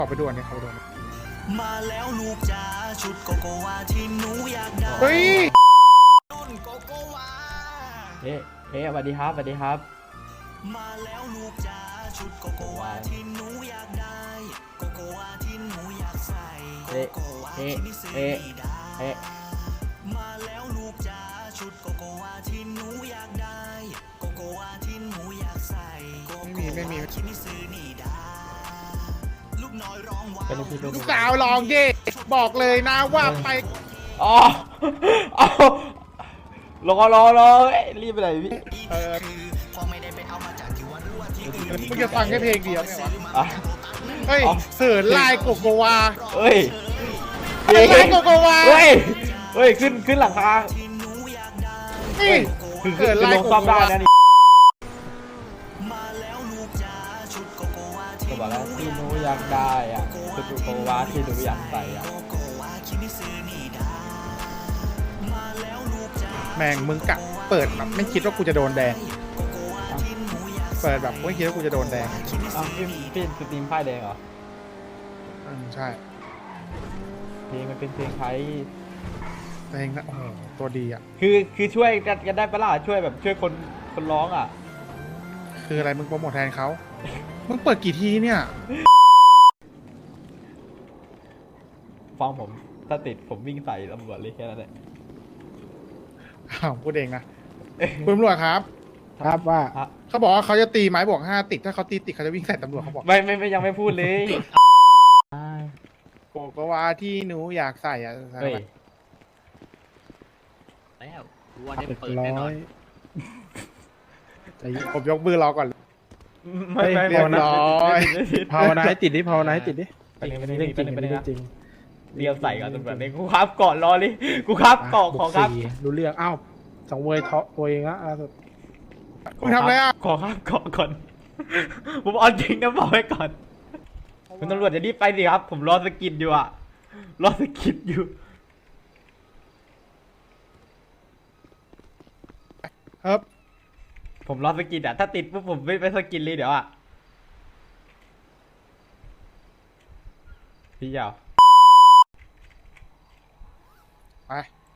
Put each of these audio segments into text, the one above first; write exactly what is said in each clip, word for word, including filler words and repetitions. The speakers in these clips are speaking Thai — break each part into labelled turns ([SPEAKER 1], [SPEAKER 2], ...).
[SPEAKER 1] เข้าไปด่วนเนี่ยเข้าไปด่วน
[SPEAKER 2] มาแล้วลูกจ๋าชุดโกโกวาที่หนูอยากได้
[SPEAKER 1] เฮ้ย
[SPEAKER 2] นุ่นโกโกวา
[SPEAKER 3] เฮ้เฮ้สวัสดีครับสวัสดีครับ
[SPEAKER 2] มาแล้วลูกจ๋าชุดโกโกวาที่หนูอยากได้โกโกวาที่หนูอยากใส่โกโกวาที่ไม่ซื้อไม่ได้เฮ้มาแล้วลูกจ๋าชุดโกโกวาที่หนูอยากได้โกโกวาที่หนูอยากใส่โกโกวาที่ไม่ซื้อนี่ได้ลูกน้อยร้องว้าว
[SPEAKER 1] ลูกสาวลองดิบอกเลยนะว่าไป
[SPEAKER 3] อ๋อเอารอรอรอรีบไปไหนพี่
[SPEAKER 1] เออมึงจะฟังแค่เพลงเดียวไงวะเฮ้ยเสือลายโกโกวา
[SPEAKER 3] เฮ้ย
[SPEAKER 1] ลายโกโกวา
[SPEAKER 3] เฮ้ยเฮ้ยขึ้นขึ้นหลังคา
[SPEAKER 1] เฮ้ย
[SPEAKER 3] คือคือลงซ้อมได้นะนี่ก็บอกแล้วที่หนูอยากได้อ่ะคือโกโกวาที่หนูอยากใส่อ่ะ
[SPEAKER 1] แม่งมึงกะเปิดแบบไม่คิดว่ากูจะโดนแดงเปิดแบบไม่คิดว่ากูจะโดนแดง
[SPEAKER 3] อ้าวพี่พี่สตรีมป้ายแดงเหรอ
[SPEAKER 1] อืมใช่
[SPEAKER 3] เพลงมันเป็นเพลงไทย
[SPEAKER 1] เพลงนะโอ้โหตัวดีอ่ะ
[SPEAKER 3] คือคือช่วยกันได้ปะล่ะช่วยแบบช่วยคนคนร้องอ่ะ
[SPEAKER 1] คืออะไรมึงโปรโมทแทนเขามึงเปิดกี่ทีเนี่ย
[SPEAKER 3] ฟังผมถ้าติดผมวิ่งใส่ตำรวจเลยแค่นั้นแหละ
[SPEAKER 1] อ้าวพูดเองนะคุณตำรวจครับ
[SPEAKER 4] ครับว่า
[SPEAKER 1] เขาบอกว่าเขาจะตีไม้บวกห้าติดถ้าเขาตีติดเขาจะวิ่งใส่ตำรวจเขาบอก
[SPEAKER 3] ไม่ไม่ไม่ยังไม่พูดเลย
[SPEAKER 1] โกโกวาที่หนูอยากใส่อะ
[SPEAKER 3] เฮ้ย
[SPEAKER 2] แล้ววันนี้เปิดแน่นอน
[SPEAKER 1] ผมยกมือรอก่อน
[SPEAKER 3] ไม่ไม่
[SPEAKER 1] เรียบร้อย
[SPEAKER 4] ภาวนาให้ติดดิภาวนาให้ติดดิ
[SPEAKER 3] เป็นเรื่องจริงเป็นเรื่องจริงเรียวใส่ก่อนตำรวจเลยกูครับก่อนรอเลยกูครับก่อขอครับ
[SPEAKER 4] รู้เรื่องอ้าวสองเวยเทาะตัวเองละ
[SPEAKER 1] คุณทำอะไรอ่ะ
[SPEAKER 3] ขอครับก่อก่อนผมเอาจริงนะบอกไว้ก่อนคุณตำรวจจะรีบไปสิครับผมรอสกิดอยู่อ่ะรอสกิดอยู่
[SPEAKER 1] ครับ
[SPEAKER 3] ผมรอสกิดอ่ะถ้าติดปุ๊บผมไม่ไปสกิดเลยเดี๋ยวอ่ะพี่ยาว
[SPEAKER 1] ไป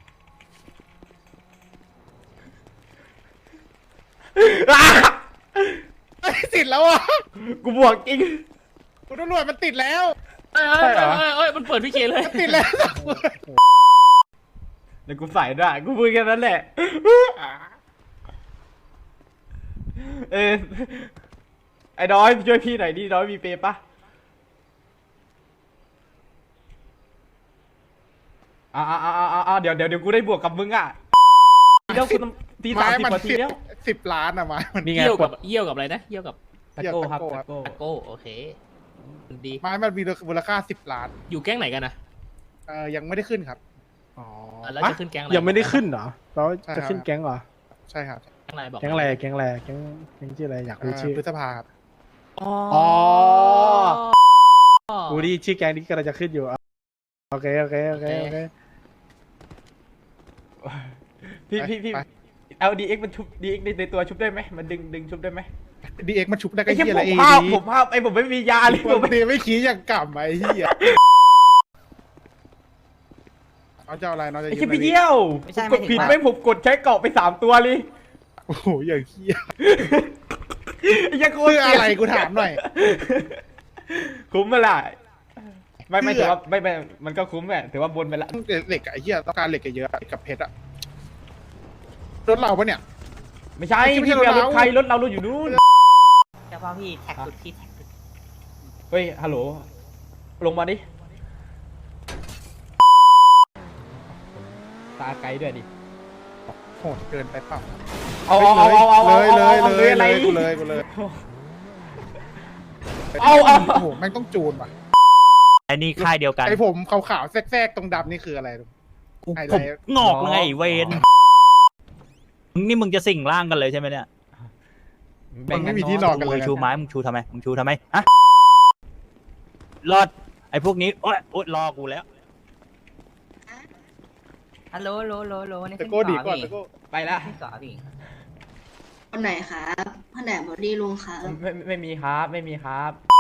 [SPEAKER 1] ติดแล้วอ่ะ
[SPEAKER 3] กูบวกจริง
[SPEAKER 1] คุณตำรวจมันติดแล้ว
[SPEAKER 2] เอ้ยเอ้ยเอ้ยมันเปิดพี่เคเลย
[SPEAKER 1] ติดแล้ว
[SPEAKER 3] เดี๋ยวกูใส่ด้วยกูพูดแค่นั้นแหละเออไอ้น้อยช่วยพี่หน่อยดิน้อยมีเปย์ปะอ่าอ่าอ่าอ่าเดี๋ยวเดี๋ยวเดี๋ยวกูได้บวกกับมึงอ่ะเดี๋ยวกูตีสามสิบนาทีแล้ว
[SPEAKER 1] สิบล้านอะมา
[SPEAKER 2] มันเยี่ยวกับเยี่ยวกับอะไรนะเยี่ยวกับ
[SPEAKER 3] ตะโก้ครับตะโก้
[SPEAKER 2] ตะโก้โอเคดี
[SPEAKER 1] ไม้มันมีมูลค่าสิบล้าน
[SPEAKER 2] อยู่แก๊งไหนกันนะ
[SPEAKER 1] เออยังไม่ได้ขึ้นครับ
[SPEAKER 2] อ๋อแล้วจะขึ้นแก๊งอะไร
[SPEAKER 4] ยังไม่ได้ขึ้นเหรอเราจะขึ้นแก๊งเหรอ
[SPEAKER 1] ใช่ครับ
[SPEAKER 2] แก๊งอะไรบอก
[SPEAKER 4] แก๊งอะไรแก๊งอะไรแก๊งแก๊งชื่ออะไรอยากรู้ชื่อ
[SPEAKER 1] พฤษภาครับ
[SPEAKER 4] อ๋อกูดีชื่อแก๊งนี้ก็จะขึ้นอยู่โอเคโอเคโอเคโอเค
[SPEAKER 3] พี่พี่พี่เอาดีเอ็กมันชุบดีเอ็กในตัวชุบได้ไหมมันดึงดึงชุบได้ไหม
[SPEAKER 1] ดีเอ็กมันชุบได้ก็เหี้ยอะไร
[SPEAKER 3] เองผมภาพผมภาพไอ้ผมไม่มียาเลย
[SPEAKER 1] ผมไม่ไม่ขี้อย่างกลับไอ้เหี้ยเอาเจ้าอะไรน้องจะ
[SPEAKER 3] ไอ้ขี้ไปเยี่ยวกดผิดไม่ผมกดใช้เกาะไปสามตัวเลย
[SPEAKER 1] โอ้โหอย่างเหี้ย
[SPEAKER 3] ยังโคตร
[SPEAKER 1] อะไรกูถามหน่อย
[SPEAKER 3] คุ้มเมื่อไหร่ไม่ไม่ถือว่าไม่ไม่มันก็คุ้มแหละถือว่าบนไปละ
[SPEAKER 1] เหล็กไอ้เหี้ยต้องการเหล็กเยอะกับเพชรอะรถเราปะเนี่ย
[SPEAKER 3] ไม่ใช่พี่เบียร์รถใครรถเราเราอยู่นู้น
[SPEAKER 2] เฉพาะพี่แท็กสุดที่แท็กสุด
[SPEAKER 3] เฮ้ยฮัลโหลลงมาดิตาไกลด้วยดิ
[SPEAKER 1] โหดเกินไปเปล่า
[SPEAKER 3] เอาเอาเอาเอา
[SPEAKER 1] เลยเลยเลยอะไรกูเลยกูเลย
[SPEAKER 3] เอาเอา
[SPEAKER 1] โอ้โหแม่งต้องจูนป่ะ
[SPEAKER 2] ไอ้นี่ค่ายเดียวกัน
[SPEAKER 1] ไอ้ผมขาวๆแทรกๆตรงดำนี่คืออะไร
[SPEAKER 2] ผมงอกเลยเวนนี่มึงจะสิ่งร่างกันเลยใช่ไหมเนี่ย
[SPEAKER 1] มึงไม่มีที่นอนกันเลย
[SPEAKER 2] ชูไม้มึงชูทำไมมึงชูทำไมฮะรอดไอ้พวกนี้โอ๊ยโอ๊ยรอกูแล้วฮัลโหลโหลโหลโหลนี่
[SPEAKER 1] ตะโก้ดีก่อนตะโก้
[SPEAKER 3] ไปละ
[SPEAKER 2] ที่ก่อนดิ
[SPEAKER 5] คนไหนครับคนไหนบอดี้ลุงครับ
[SPEAKER 3] ไม่ไม่มีครับไม่มีครับ